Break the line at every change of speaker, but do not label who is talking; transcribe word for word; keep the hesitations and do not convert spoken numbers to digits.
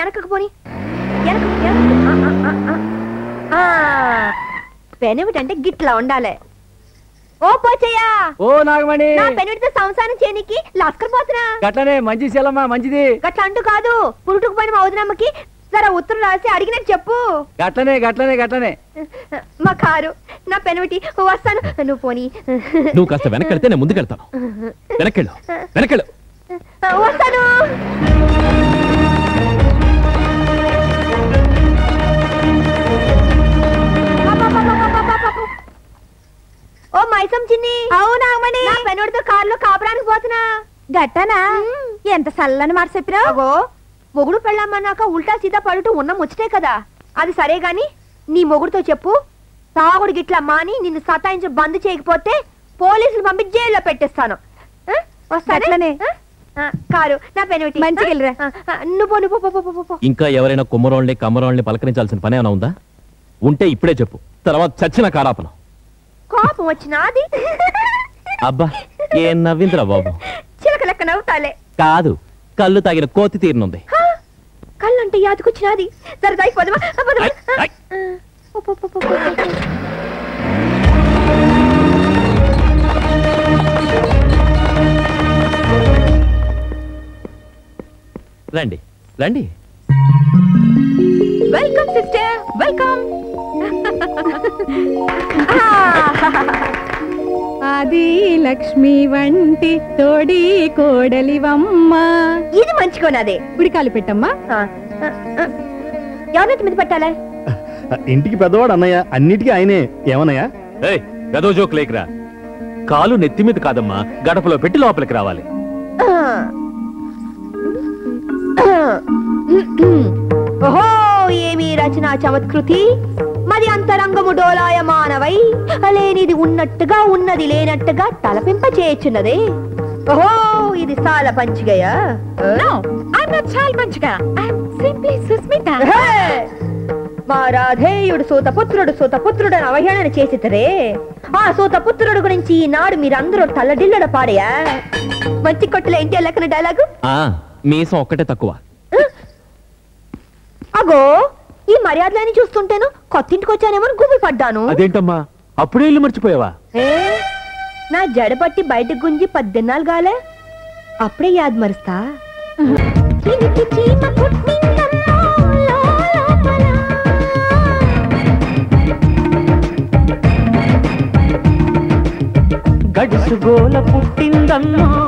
వెనకకు పోని పెనిమిటంటే గిట్లా ఉండాలి. ఓ పోచయ్యా,
ఓ నాగమణి,
నా పెనిమిటితో సంసారం చేయనికి లాస్కర్ పోతున్నా.
గట్లనే మంచి శీలమ్మా, మంచిది.
గట్ల అంటూ కాదు, పురుటుకు పోయిన మా వదినమ్మకి జరా ఉత్తరం రాసి అడిగినట్టు చెప్పు.
గట్లనే గట్లనే గట్లనే.
మా కారు, నా పెనిమిటి, వస్తాను. నువ్వు పోనీ.
నువ్వు కాస్త వెనకెళ్తే నేను ముందుకెళ్తాను. వెనకెళ్ళు, వెనకెళ్ళు.
వస్తాను. ఓ మైసం చిన్ని. అవునాగమణి, నా పెనుడితో కారులో కాపురానికి పోతున్నా. గట్టనా? ఎంత సల్లని మాట చెప్పినావు. మొగుడు పెళ్ళామన్నాక ఉల్టా సీదా పడుతూ ఉన్న ముచ్చటే కదా. అది సరే గాని నీ మొగుడుతో చెప్పు, తాగుడు గిట్లా మాని నిన్ను సతాయించి బంద్ చేయకపోతే పోలీసులు పంపి జైల్లో పెట్టేస్తాను. వస్తానే కారు, నా పెనుటి మంచిగా. నువ్వు నువ్వు
ఇంకా ఎవరైనా కుమ్మరోళ్ళని కమ్మరోళ్ళని పలకరించాల్సిన పని ఏమైనా ఉందా? ఉంటే ఇప్పుడే చెప్పు, తర్వాత చచ్చిన కారాపనం.
కోపం వచ్చినాది.
అబ్బా ఏం నవ్విందిరా బాబు.
చిలక లెక్క నవ్వుతాలే.
కాదు, కళ్ళు తాగిన కోతి తీరునుంది.
కళ్ళంటే యాదకొచ్చినాది. సరదాయి పోదమా?
రండి రండి.
Welcome sister, welcome.
Adi Lakshmi వంటి తోడి కోడలివమ్మ.
ఇది మంచికోనాదే.
ఉడికాలు పెట్టమ్మా.
ఎవరి మీద పెట్టాలే?
ఇంటికి పెద్దవాడు అన్నయ్య, అన్నిటికీ ఆయనే. ఏమన్నయ్యా?
ఏయ్ గదో జోక్ లేకరా. కాలు నెత్తి మీద కాదమ్మా, గడపలో పెట్టి లోపలికి రావాలి.
ఓహో, ఏమి రచనా చమత్కృతి. మరి అంతరంగము డోలాయమానవై లేనిది ఉన్నట్టుగా ఉన్నది లేనట్టుగా తలపింప చేయొచ్చున్నదే. ఓహో, ఇది సాల పంచిగయా? మా రాధేయుడు సూతపుత్రుడు సూతపుత్రుడు అని అవహేళన చేసితరే. ఆ సూతపుత్రుడు గురించి ఈనాడు మీరందరూ తల్లడిల్లడ పాడయా. మంచి కొట్టులో ఏంటి లెక్కన డైలాగు?
మీసం ఒక్కటే తక్కువ.
అగో, ఈ మర్యాదలని చూస్తుంటేను కొత్తింటికి వచ్చానేమో గుబి పడ్డాను.
అదేంటమ్మా, అప్పుడే ఇల్లు మర్చిపోయావా?
నా జడపట్టి బయటకు గుంజి పద్దెన్నాళ్ళు గాలే, అప్పుడే యాద్ మరుస్తా.
గడుసు గోల పుట్టిందమ్మా